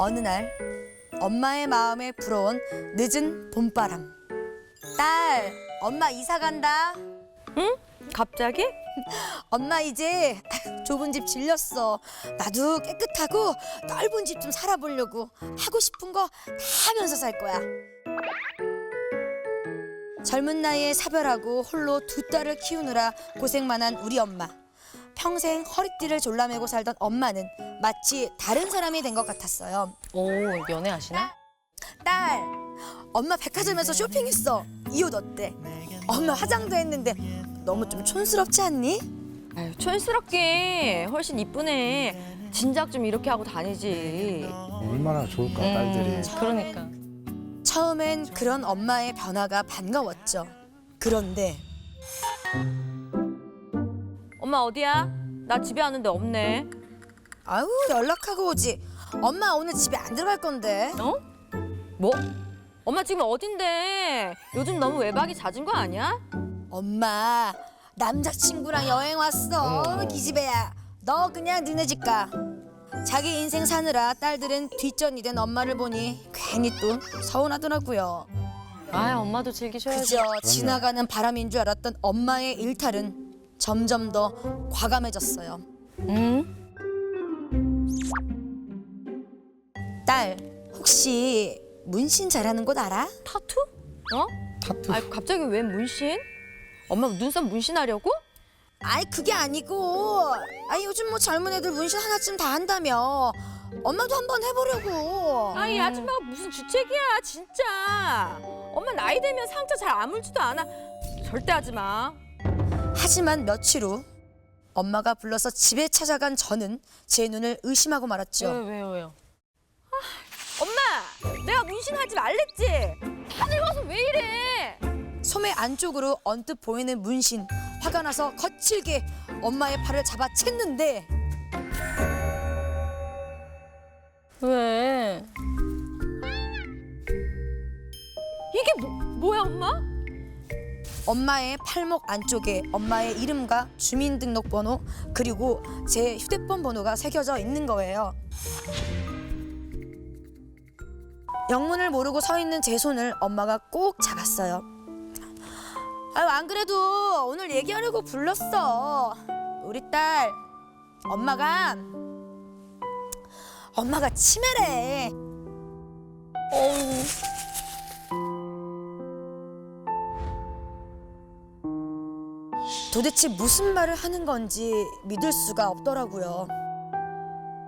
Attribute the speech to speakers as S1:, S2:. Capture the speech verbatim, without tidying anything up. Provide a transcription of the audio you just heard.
S1: 어느 날 엄마의 마음에 불어온 늦은 봄바람. 딸, 엄마 이사 간다.
S2: 응? 갑자기?
S1: 엄마 이제 좁은 집 질렸어. 나도 깨끗하고 넓은 집 좀 살아보려고. 하고 싶은 거 다 하면서 살 거야. 젊은 나이에 사별하고 홀로 두 딸을 키우느라 고생만 한 우리 엄마. 평생 허리띠를 졸라매고 살던 엄마는 마치 다른 사람이 된 것 같았어요.
S2: 오, 연애하시나?
S1: 딸, 엄마 백화점에서 쇼핑했어. 이 옷 어때? 엄마 화장도 했는데 너무 좀 촌스럽지 않니?
S2: 아유, 촌스럽게 훨씬 이쁘네. 진작 좀 이렇게 하고 다니지.
S3: 얼마나 좋을까 딸들이.
S2: 그러니까.
S1: 처음엔 그런 엄마의 변화가 반가웠죠. 그런데
S2: 엄마 어디야? 나 집에 왔는데 없네.
S1: 아유 연락하고 오지. 엄마 오늘 집에 안 들어갈 건데.
S2: 어? 뭐? 엄마 지금 어딘데? 요즘 너무 외박이 잦은 거 아니야?
S1: 엄마 남자친구랑 여행 왔어.
S3: 어.
S1: 기집애야. 너 그냥 너네 집 가. 자기 인생 사느라 딸들은 뒷전이 된 엄마를 보니 괜히 또 서운하더라고요.
S2: 아, 엄마도 즐기셔야지.
S1: 그저 지나가는 바람인 줄 알았던 엄마의 일탈은 점점 더 과감해졌어요.
S2: 응?
S1: 딸, 혹시 문신 잘하는 곳 알아?
S2: 타투? 어?
S3: 타투.
S2: 아, 갑자기 왜 문신? 엄마 눈썹 문신하려고?
S1: 아이 그게 아니고, 아이 요즘 뭐 젊은 애들 문신 하나쯤 다 한다며. 엄마도 한번 해보려고.
S2: 아이 아줌마가 무슨 주책이야 진짜. 엄마 나이 되면 상처 잘 아물지도 않아. 절대 하지 마.
S1: 하지만 며칠 후 엄마가 불러서 집에 찾아간 저는 제 눈을 의심하고 말았죠.
S2: 왜요 왜요? 아, 엄마 내가 문신하지 말랬지. 다 늙어서 왜 이래?
S1: 소매 안쪽으로 언뜻 보이는 문신. 화가 나서 거칠게 엄마의 팔을 잡아 챘는데
S2: 왜? 이게 뭐, 뭐야 엄마?
S1: 엄마의 팔목 안쪽에 엄마의 이름과 주민등록번호 그리고 제 휴대폰 번호가 새겨져 있는 거예요. 영문을 모르고 서 있는 제 손을 엄마가 꼭 잡았어요. 아유 안 그래도 오늘 얘기하려고 불렀어. 우리 딸 엄마가 엄마가 치매래.
S2: 어우.
S1: 도대체 무슨 말을 하는 건지 믿을 수가 없더라고요.